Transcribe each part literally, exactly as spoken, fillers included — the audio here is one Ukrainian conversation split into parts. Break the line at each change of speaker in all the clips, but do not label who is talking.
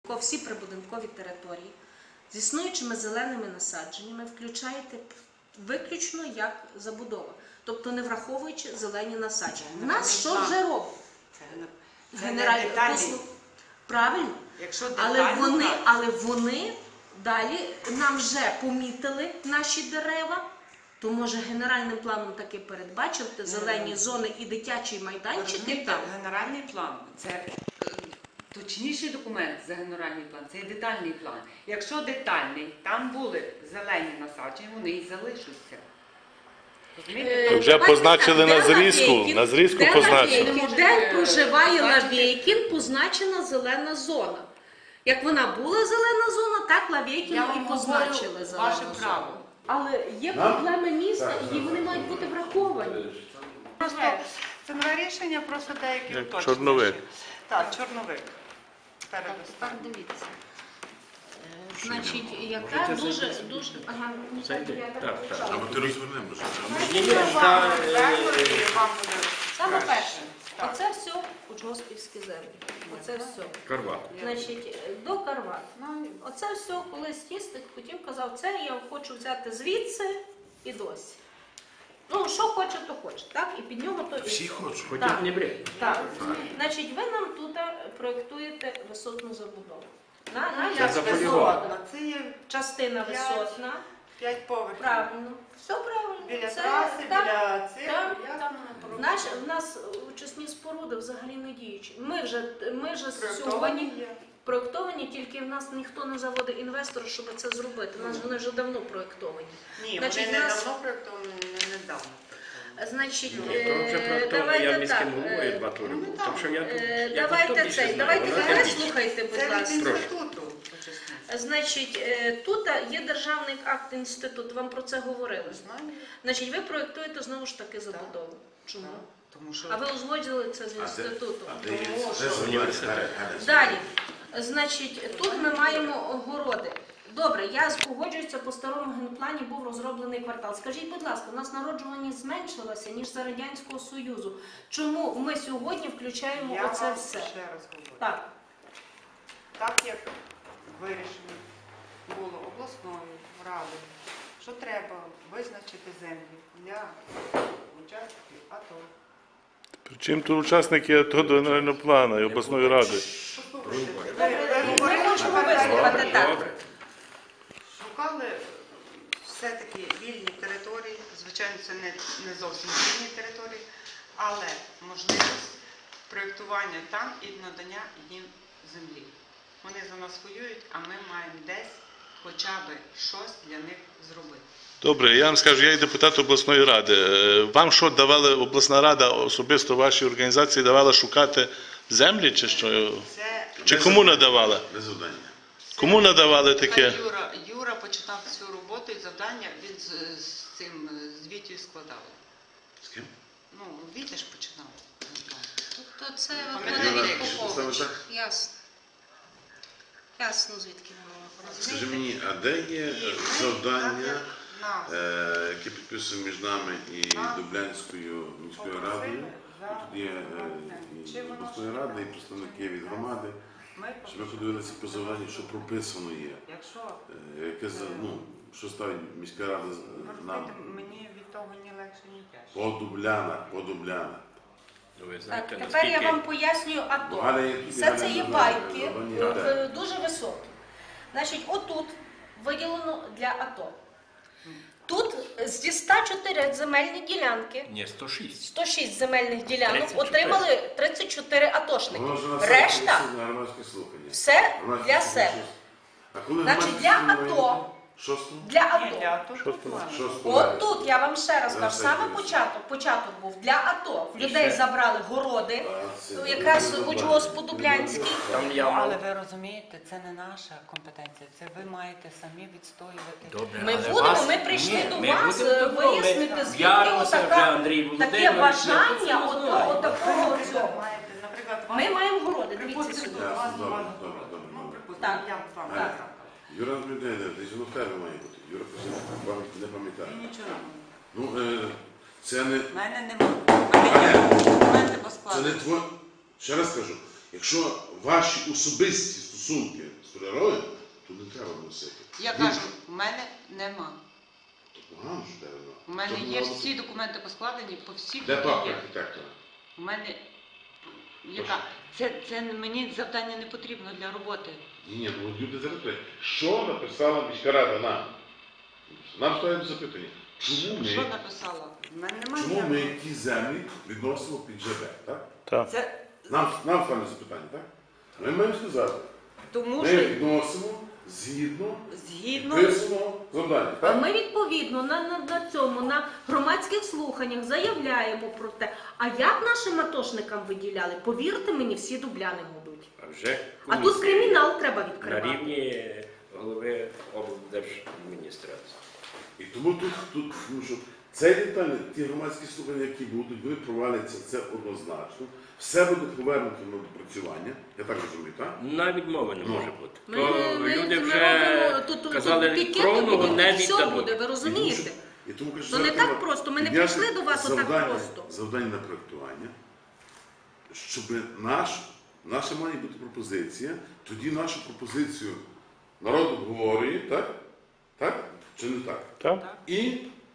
Всі прибудинкові території з існуючими зеленими насадженнями включаєте виключно як забудова, тобто не враховуючи зелені насадження. У нас що вже робить? Генеральний послуг. Правильно? Але вони, але вони далі нам вже помітили наші дерева, то може генеральним планом таки передбачити зелені зони і дитячі майданчики там.
Генеральний план – це точніший документ за генеральний план, це є детальний план. Якщо детальний, там були зелені насадження, вони і залишаться.
То вже позначили на зрізку, на зрізку позначили.
Де проживає Лавейкін, позначена зелена зона. Як вона була зелена зона, так Лавейкін і позначили зелену зону. Але є проблеми міста, і вони мають бути враховані.
Це нове рішення, просто деякі уточнення.
Чорновик.
Так, чорновик.
Так, дивіться. Значить, яка дуже, дуже... Ага, ну так, я так почала.
Або ти розвернемо.
Саме перше, оце все учгоспівські землі. Оце все.
Карват.
Значить, до Карват. Оце все, колись тістик хотів, казав, це я хочу взяти звідси і досі. Ну, що хоче, то хоче, так? І під нього то і...
Всі хочуть.
Так, так. Значить, ви нам тут проєктуєте висотну забудову. На, на,
Це заполювати.
Це є
частина висотна.
п'ять поверхів.
Правильно. Все правильно.
Біля
Це,
траси,
так,
біля цих.
так,
ясно,
так.
напевно.
Наш, в нас очисні споруди взагалі не діючі. Ми вже, ми вже
Проєктовані
сьогодні
є.
проєктовані, тільки в нас ніхто не заводить інвестора, щоб це зробити. У нас вони вже давно проєктовані.
Ні,
Значить,
вони не
нас-
давно проєктовані, не недавно.
Значить,
Ну,
е,
то вже проєктовано, я
давайте
міським
так.
головою
е,
два тури був. Так що я тут,
е,
я
Давайте
тут більше
цей,
знаю.
давайте
Вона
мене
більше.
слухайте, будь
Це від
ласка.
інституту. очисних.
Значить, е, тут є державний акт інституту, вам про це говорили.
Знаю.
Значить, ви проєктуєте знову ж таки забудову. Чому?
Так. Тому що
А ви узгодили це з інститутом.
А де є? Де університет?
Далі. Значить, тут ми маємо городи. Добре, я погоджуюся, по старому генплані був розроблений квартал. Скажіть, будь ласка, у нас народжуваність зменшилася, ніж за Радянського Союзу. Чому ми сьогодні включаємо
я
оце
вам
все?
ще раз говорю.
Так.
Так як вирішено було обласною радою, що треба визначити землі для учасників АТО.
Причому тут учасники АТО до генерального плану і обласної ради.
Послухайте, ви-
Ми
ви говорите
хочемо
про
вислухати
те,
так.
шукали все-таки вільні території, звичайно, це не, не зовсім вільні території, але можливість проєктування там і надання їм землі. Вони за нас воюють, а ми маємо десь хоча б щось для них зробити.
Добре, я вам скажу, я є депутат обласної ради. Е, Вам що давала обласна рада, особисто вашій організації, давала шукати землі чи що?
Це,
Чи кому надавала?
Без завдання.
Кому надавали таке?
Юра, Юра починав цю роботу і завдання він з, з цим з Вітєю складав.
З ким?
Ну, Вітя ж починав.
Тобто це
Пам'ятаєте,
виходить
як
від
саме
Поповича.
так?
Ясно. Ясно, звідки воно.
Скажи мені, а де є
І ми,
завдання,
так як нас
е, яке підписує між нами і Дублянською міською радою?
за
Тут є е, і обласної ради, і представники від громади,
ми
щоб ми подивилися по завданню, що прописано є.
Якщо
Е, Яке, за- ну, що ставить міська рада з-
ви
нам
розумієте, мені від того ні легше, ні тяжче.
по Дублянах, по Дублянах.
Так, тепер я вам пояснюю АТО.
Галя є тут, і
Все
Галя
це
не
є
знає,
байки,
завдання
е,
де.
е, дуже високі. Значить, отут виділено для АТО. Тут зі ста чотирьох земельні ділянки,
Ні, сто шість.
сто шість земельних ділянок
тридцять чотири.
отримали тридцять чотири атошники.
Воно вже на сайті
Решта
висить на громадські слухання.
все
Громадські
для
слухання
себе.
щось. А коли
Значить,
громадські
для
слухання
АТО.
мають бути? Шостого?
Для
Ні,
АТО.
для АТО
Що
тут
сказати?
ладно.
Шостого.
От тут я вам ще раз
Зараз
кажу, саме
я
початок, початок був для АТО. В
І
людей
ще-
забрали городи,
А, це-
то якраз учгоспу Дублянський.
Там я
Але
мав.
ви розумієте, це не наша компетенція, це ви маєте самі відстоювати.
Добре,
Ми
але
будемо,
вас-
ми прийшли
Ні,
до
ми
вас
будемо
е,
добро. Ми
вияснити, звідки
Ярилося вже
отака-
Андрій
таке
Володимирович.
бажання
ми це
отого,
знаємо.
отакого
Ви
цього.
маєте, наприклад,
Ми маємо городи, дивіться
припустимо,
сюди.
у вас
Добре,
немає
добре,
городу.
добре,
Ну,
добре.
припустимо,
Так,
я вам
так.
так.
Юра Дмитрівна, ти зі мною тебе має бути. Юра просив, пам'ять не пам'ятає.
Ні, нічого.
Ну, е, це не,
У мене немає. У мене є документи по
це
складу.
не тво... Ще раз кажу, якщо ваші особисті сумки столярові, то не треба носити.
Я
Ні,
кажу, у мене нема.
то погано, що тебе нема.
У мене
То
є
було-
всі документи поскладені по всіх.
Де
які
папка
є.
архітектора?
У мене яка? Це, це мені завдання не потрібно для роботи.
Ні, ні, ну от люди зараз питають, що написала міська рада нам? Нам ставимо запитання. Чому
Що
ми,
написала? У мене немає.
чому ми
ніякого.
ті землі відносимо під ЖБ, так?
Так.
Це
Нам, нам ставимо запитання, так? Ми маємо сказати,
тому
ми
що
відносимо згідно
згідно
писаного завдання,
А
так?
ми відповідно на, на, на цьому, на громадських слуханнях заявляємо про те, а як нашим атошникам виділяли, повірте мені, всі дубляни будуть.
А вже
А тут
комісія
кримінал треба
на
відкривати.
рівні голови облдержадміністрації.
І тому тут, тут тому що цей деталь, ті громадські слухання, які будуть, вони проваляться, це однозначно. Все буде повернуто на допрацювання, я так розумію, так?
Навіть мови не
Ну.
може бути.
Ми,
То
ми,
люди
ми
вже
робимо, тут, тут,
казали,
тут пікети
кровного
будуть,
не
все
віддадуть.
буде, ви
І тому
розумієте?
що- І тому кажу,
То не
зараз
так
треба
просто, ми не
підняти
прийшли до вас отак
завдання-
просто.
Завдання на проєктування, щоб наш, наша має бути пропозиція, тоді нашу пропозицію народ обговорює, так? Так? Чи не так?
Так?
І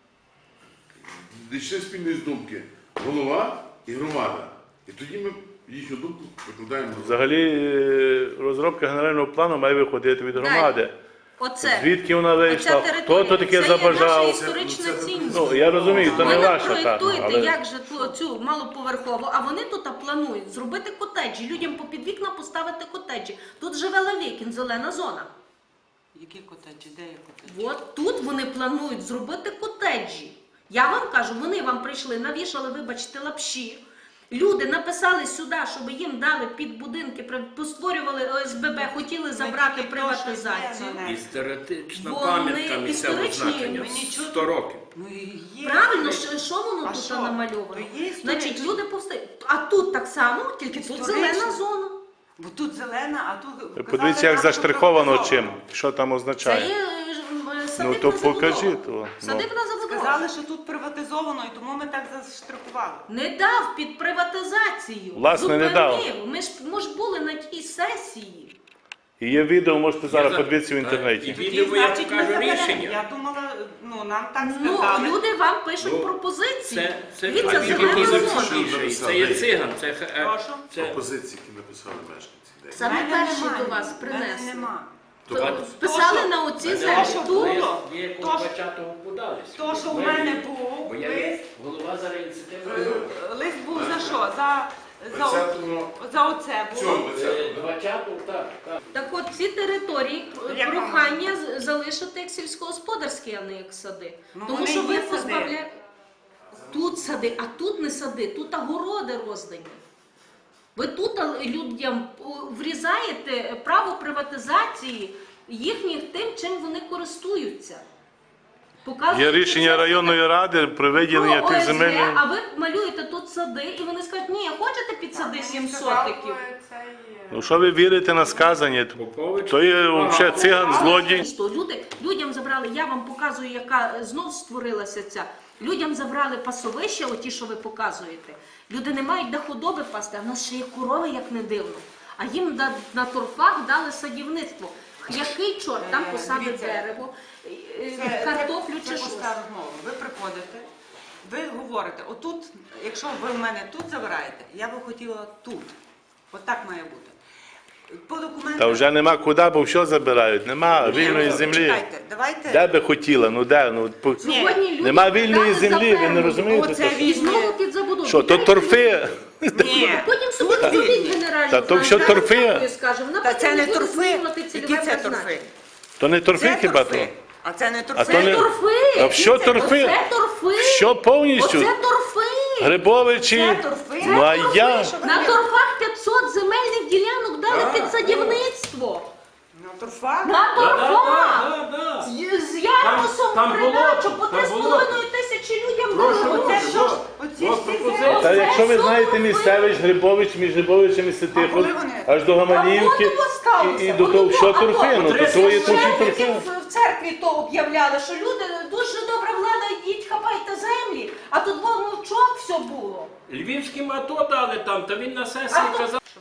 дійшли спільної думки голова і громада. І тоді ми їхню думку викладаємо на
Взагалі е, розробка генерального плану має виходити від громади.
Оце.
Звідки вона
Оця
вийшла,
територія.
хто то таке
Це є наша
забажав.
історична
Це- це-
цінність.
Ну, я розумію, то
Ви
не
не
ваша так.
проєктуєте,
Але...
як же ту- цю малоповерхову, а вони тут планують зробити котеджі, людям попід вікна поставити котеджі. Тут живе Лавікін, зелена зона.
які котеджі, де є котеджі?
От тут вони планують зробити котеджі. Я вам кажу, вони вам прийшли, навішали, вибачте, лапші. Люди написали сюди, щоб їм дали під будинки, при- постворювали О С Б Б, хотіли забрати
тільки то,
приватизацію.
що є,
Історична
Вони
пам'ятка місцевого
історичні,
значення.
ми нічого-
сто років.
Ну, і є.
Правильно, що, що воно
А
тут
що?
намальовано?
То є історія.
Значить, люди повстають. А тут так само, тільки тут
Історично.
зелена зона.
Бо тут зелена, а тут казали,
Подивіться, як
так,
заштриховано
що
чим, що там
Це
означає.
є е,
Ну
садибна
то
забудова.
покажіть. То, ну.
Садибна забудова.
Сказали, що тут приватизовано, і тому ми так заштрихували.
Не дав під приватизацію.
Власне, не дав.
Зупинив. Ми ж, ми ж були на тій сесії.
І є відео, можете зараз
за-
подивитися в
Так,
інтернеті.
і відео, я покажу
заберемо.
рішення.
Я думала, ну нам так
Ну,
сказали.
люди вам пишуть
Ну,
пропозиції.
Це, це
Дивіться,
а
зелена
який
зона.
запишіший. Це є циган. Це, е,
Прошу.
це
пропозиції, які написали мешканці. Де?
Саме
Мене
перші
немає,
до вас
мене
принесли.
нема.
То
То-
Писали
то,
на оці
Мене
землі.
що
Тут
було?
Є
То, що-
двадцятого подались.
То, що в мене був
Бо я
лист,
є голова зараз ініціативної
е,
групи.
лист був за що? За, за,
двадцятого
за оце
цього,
було.
Е, двадцятого, так, так.
Так от ці території
Як
прохання з- залишити як сільськогосподарські, а не як сади.
Ну,
Тому
вони
що ви
є сади.
позбавляєте. Тут сади, а тут не сади, тут огороди роздані. Ви тут а, людям о, врізаєте право приватизації їхніх тим, чим вони користуються. Показуєте
Є рішення
це
районної ради про виділення
про
тих
О С Г,
земельних.
а ви малюєте тут сади, і вони скажуть, ні, хочете під сади сім сотиків?
Ну що ви вірите на сказання?
Попович.
То є взагалі циган, злодій.
Що люди, людям забрали, я вам показую, яка знов створилася ця. Людям забрали пасовища, оті, що ви показуєте. Люди не мають де худоби пасти, а в нас ще є корови, як не дивно. А їм на, на торфах дали садівництво. Який чорт там
Е,
посадить
дивіться,
дерево, е, е,
Це,
картоплю
це,
чи
це
щось.
пуста розмова. Ви приходите, ви говорите, отут, якщо ви в мене тут забираєте, я би хотіла тут. От так має бути. По документам...
Та вже нема куди, бо що забирають. Нема
Ні,
вільної
ну,
землі.
Чекайте, давайте...
Де би хотіла, ну де? Ну, по-
Сьогодні люди
Нема вільної
дали
землі, ви не
за
розумієте?
Оце
то?
І знову під забудову.
Що, то торфи?
Ні,
Потім собі зробіть генеральну
Та то
план,
все
я
торфи.
вам скажу, вона
Та
потім
це не
буде
торфи.
змінювати
Які
цільове
це
призначення.
торфи?
То не торфи
Це
хіба то?
торфи. А це не
А
торфи.
то
Це
не-
торфи.
А що торфи?
Оце торфи.
Що повністю?
Оце торфи.
Грибовичі?
Це торфи.
Ну а
Це
я?
торфи, що ви
На
кажете.
торфах п'ятсот земельних ділянок дали під садівництво.
На торфах?
На торфах.
Да, да, да.
З, з ярусом
там
придачу
болото,
по
там
три з
болото.
половиною тисячі людям
Прошу,
дали.
Оце
прошу,
що ж?
от,
Оці
от
всі
пропозиція.
землі.
Та якщо ви
Це
знаєте
торфи.
місцевич, Грибович, між Грибовичем і Ситихом,
коли вони?
аж до Гаманівки,
Там воно сталося.
і, і до
Воно
того,
то,
що
а то.
торфи, ну то то є тут і
Шепетки
торфи.
в в церкві то об'являли, що люди дуже добра влада, йдіть, хапайте землі, а тут вон мовчок все було.
Львівським АТО дали там, та він на сесії
А то-
казав.
Щоб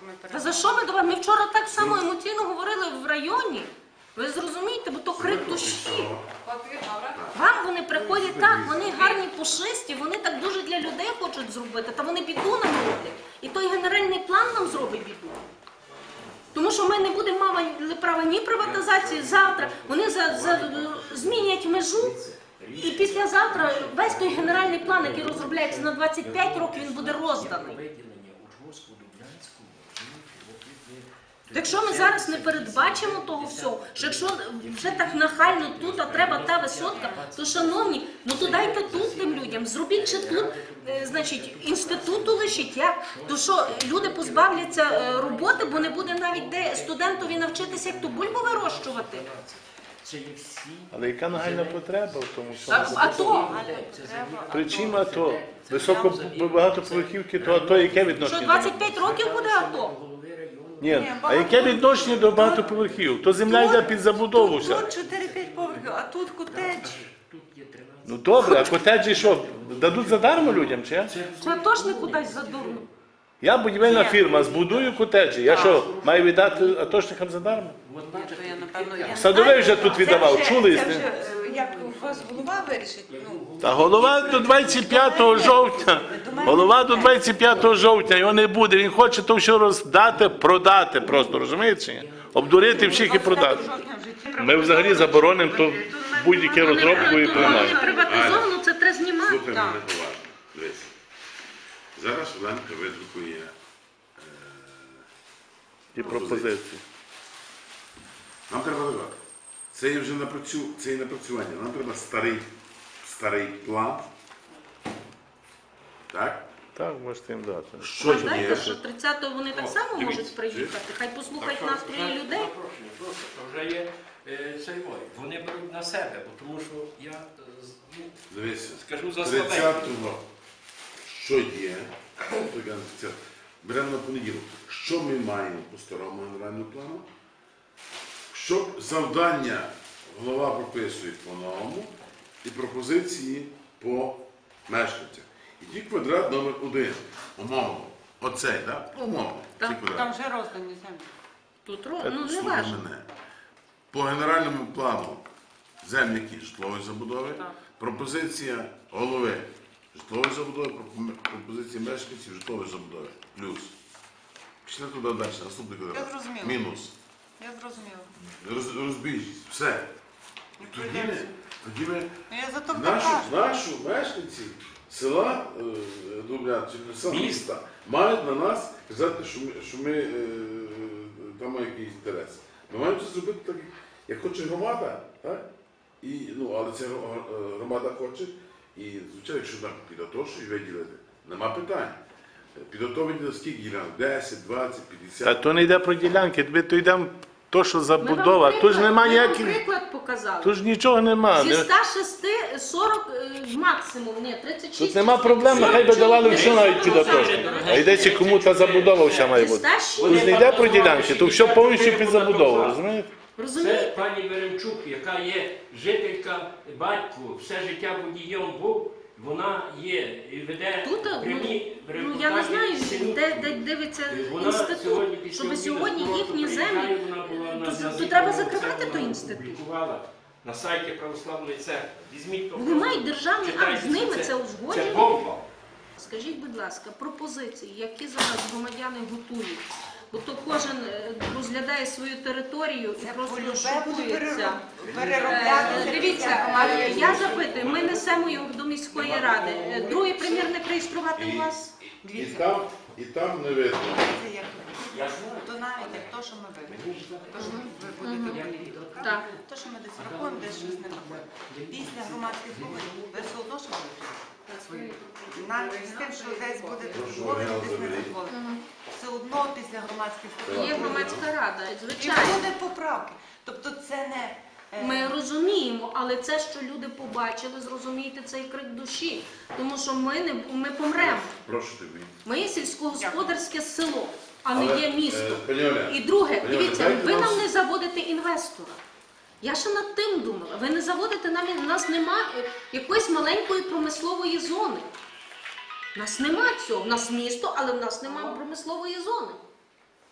ми
Та
передамо.
за що ми до вас? Ми вчора так само емоційно говорили в районі. Ви зрозумієте, бо то крик душі. Вам вони приходять так, вони гарні, пушисті, вони так дуже для людей хочуть зробити, та вони біду нам роблять. І той генеральний план нам зробить біду. Тому що ми не будемо мати права ні приватизації завтра, вони за, за, змінять межу. І післязавтра весь той генеральний план, який розробляється на двадцять п'ять років, він буде розданий. Якщо ми зараз не передбачимо того всього, що якщо вже так нахально тут, а треба та висотка, то, шановні, ну то дайте тут тим людям, зробіть ще тут, е, значить, інституту лишіть, як? То що, люди позбавляться е, роботи, бо не буде навіть де студентові навчитися, як ту бульбу вирощувати.
Але яка нагальна потреба в тому
А,
всьому?
а то,
Причим АТО. Високо багатоповерхівки, то АТО яке
що
відношення?
двадцять п'ять років буде АТО?
Ні, а яке відношення до багатоповерхівок? То земля йде під забудову вся.
Тут чотири-п'ять поверхів, а тут котедж.
Ну добре, а котеджі що, дадуть задармо людям, чи? як?
Це точно кудись задурно.
Я будівельна фірма, збудую котеджі. Я що, маю віддати атошникам задармо?
То я, напевно, я не
Садовий
знаю.
вже тут
Це
віддавав,
вже-
чули?
Це вже, е, як у вас голова вирішить? Ну,
Та голова до двадцять п'ятого жовтня. Голова до двадцять п'ятого жовтня, його не буде. Він хоче то все роздати, продати просто, розумієте? чи ні? Обдурити всіх і продати. Ми взагалі заборонимо то будь-яке розробку і
Коли
приймаємо.
приватизовано, це треба знімати.
Слухай мене уважно. Дивись. Зараз Оленка видрукує
І пропозиції.
Нам треба додати. Це є вже напрацю... це є напрацювання. Нам треба старий, старий план. Так?
Так, можете їм дати.
Що є?
Знаєте, що тридцятого вони так само
дивіться,
можуть приїхати. Хай послухають настрої людей.
Запрошення, просто вже є е, цей мой. Вони беруть на себе, бо тому що я е, з- ну,
Дивися.
скажу за слабенько.
тридцятого, що є, то я не це, беремо на понеділок. Що ми маємо по старому генеральному плану? Що завдання голова прописує по-новому і пропозиції по мешканцях. І ті квадрат номер один, умовно, оцей, так? Умовно,
Так,
ці квадрати.
Там вже роздані землі.
Тут ро- ну не
Слухай
важливо.
мене. По генеральному плану землі які? Житлової забудови,
Так.
пропозиція голови житлової забудови, пропо- пропозиція мешканців житлової забудови. Плюс. Пішли туди далі, наступний квадрат.
Я зрозуміла.
Мінус.
Я зрозуміла.
Роз, розбіжність. Все. І тоді ми, тоді ми
Ну, я за то
нашу,
кажу.
нашу мешканці села е, Дублян, чи не села,
Міста.
міста, мають на нас казати, що ми, що ми е, там маємо якийсь інтерес. Ми маємо це зробити так, як хоче громада, так? І, ну, але ця гро- громада хоче, і, звичайно, якщо нам підготовчують виділити, нема питань. Підготовлені на скільки ділянок? десять, двадцять,
Та
п'ятдесят.
то не йде про ділянки, ми то йдемо то, що
Ми
забудова.
вам
Тут ж
приклад-
нема
ми вам
ніяких,
приклад показали.
тут ж нічого нема.
Зі
Не-
ста шести сорок е, максимум, ні, тридцять шість.
Тут нема проблем, нехай би давали все навіть під атошників. А йдеться кому та забудова вся має
Зі
бути.
ста шість.
Тут ж не йде про ділянки, то все повністю під забудову, розумієте?
Це
Розумієте?
пані Веремчук, яка є жителька, батько, все життя водієм був, вона є і веде
Тут, ну,
прямі
ну я не знаю,
репортажі
де,
синів.
де дивиться
Вона сьогодні
інститут,
після
щоб
обіду
сьогодні
просто
їхні
приїжджає,
землі,
вона була на-
то,
на
то
звіті,
треба
вона
закривати
це
той
вона
інститут.
опублікувала на сайті Православної церкви. Візьміть то.
Вони
просто,
мають державний акт,
читайте,
з ними це
Це
узгоджено.
бомба.
Скажіть, будь ласка, пропозиції, які зараз громадяни готують? Бо то кожен е, розглядає свою територію і
Це
просто
полюбе буде
шокується.
перероб- переробляти.
Е, Дивіться, е, я запитую, ми несемо його до міської ради. Е, Другий примірник реєструвати у вас?
І там, і там не видно.
Це як
Я знаю.
то навіть як то, що ми виберемо. То, що ви будете вибрати.
Так.
То, що ми десь рахуємо, десь щось не рахуємо. Після громадських слухань ви все одно що будете. Навіть з тим, що десь буде дозволено, десь не дозволено. Все одно після громадських слухань.
Є громадська рада,
І
звичайно.
буде поправки. Тобто це не... е,
Ми розуміємо, але це, що люди побачили, зрозумійте цей крик душі. Тому що ми не ми помремо.
Прошу тебе.
Ми є сільськогосподарське село, а не
Але,
є
е,
місто.
пані Оля,
І друге,
пані Оля,
дивіться,
дайте
ви
нам-
нам не заводите інвестора. Я ще над тим думала. Ви не заводите нам, у нас немає якоїсь маленької промислової зони. У нас нема цього. У нас місто, але в нас немає промислової зони.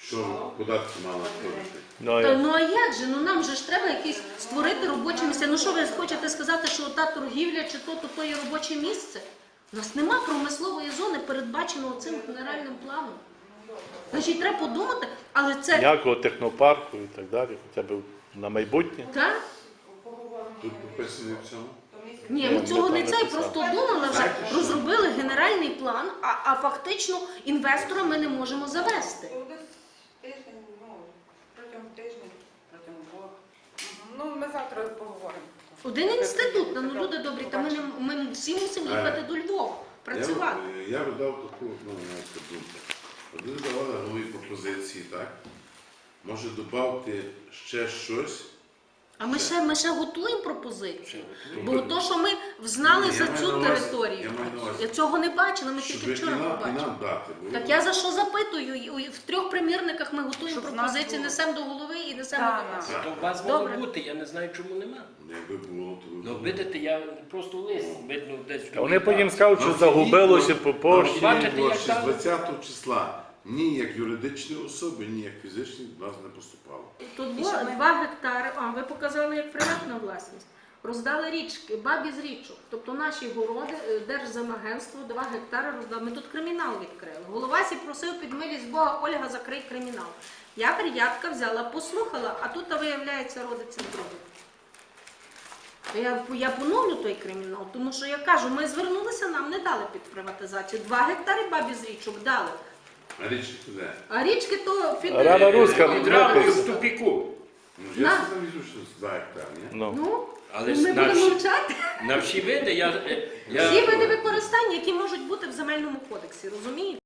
що податки мали платити.
Ну,
Та,
я-
ну а як же? Ну нам же ж треба якісь створити робочі місця. Ну що ви хочете сказати, що та торгівля чи то, то, то є робоче місце? У нас нема промислової зони, передбаченого цим генеральним планом. Значить, треба подумати, але це
Ніякого технопарку і так далі, хоча б на майбутнє.
так?
Тут прописано в цьому.
Ні,
Ні,
ми цього
ми
не
там
цей,
написали.
просто думали вже,
Знаєте, що?
розробили генеральний план, а, а фактично інвестора ми не можемо завести.
То десь тиждень, ну, протягом тижня, протягом двох. Ну, ми завтра поговоримо.
Один інститут, та, ну люди добрі, та ми, не, ми всі мусимо їхати до Львова, працювати.
Я, я видав таку, ну, знаєте, думку. Вони давали голові пропозиції, так? Може додати ще щось.
А ми ще, ми ще готуємо пропозиції. Бо
Тобто-
то, що ми знали
Ні,
за
я маю
цю
на увазі-
територію,
я маю на увазі,
я цього не бачила, ми
Щоб
тільки
і
вчора
нам, і
побачили.
нам дати. Бо
Так я за що запитую? І В трьох примірниках ми готуємо
Щоб в нас
пропозиції,
було.
несемо до голови і несемо
Так,
до вас.
так.
То у вас мало
Добре.
бути, я не знаю, чому нема.
Якби було, то би
Ну,
було.
видите, я просто лист, видно, десь.
А вони потім скажуть, що загубилося по пошті.
Бачите, як
З
там?
двадцятого числа ні як юридичні особи, ні як фізичні до нас не поступало.
Тут
І
було
що ми-
два гектари, а ви показали як приватна власність. Роздали річки, бабі з річок. Тобто наші городи, е, Держземагентство, два гектари роздали. Ми тут кримінал відкрили. Головасі просив під милість Бога, Ольга, закрий кримінал. Я приятка взяла, послухала, а тут, а, виявляється, родиться друге. То Я, я поновлю той кримінал, тому що я кажу, ми звернулися, нам не дали під приватизацію. Два гектари бабі з річок дали.
А річ куди?
А річки то фід...
Рада Руська
Відразу
виписана.
в тупіку.
Ну, я
На.
там візу, що з два гектари, ні?
Ну.
Ну,
Але
ми
ж
будемо
наші-
мовчати.
На всі види я... е, я...
Всі види використання, які можуть бути в земельному кодексі, розумієте?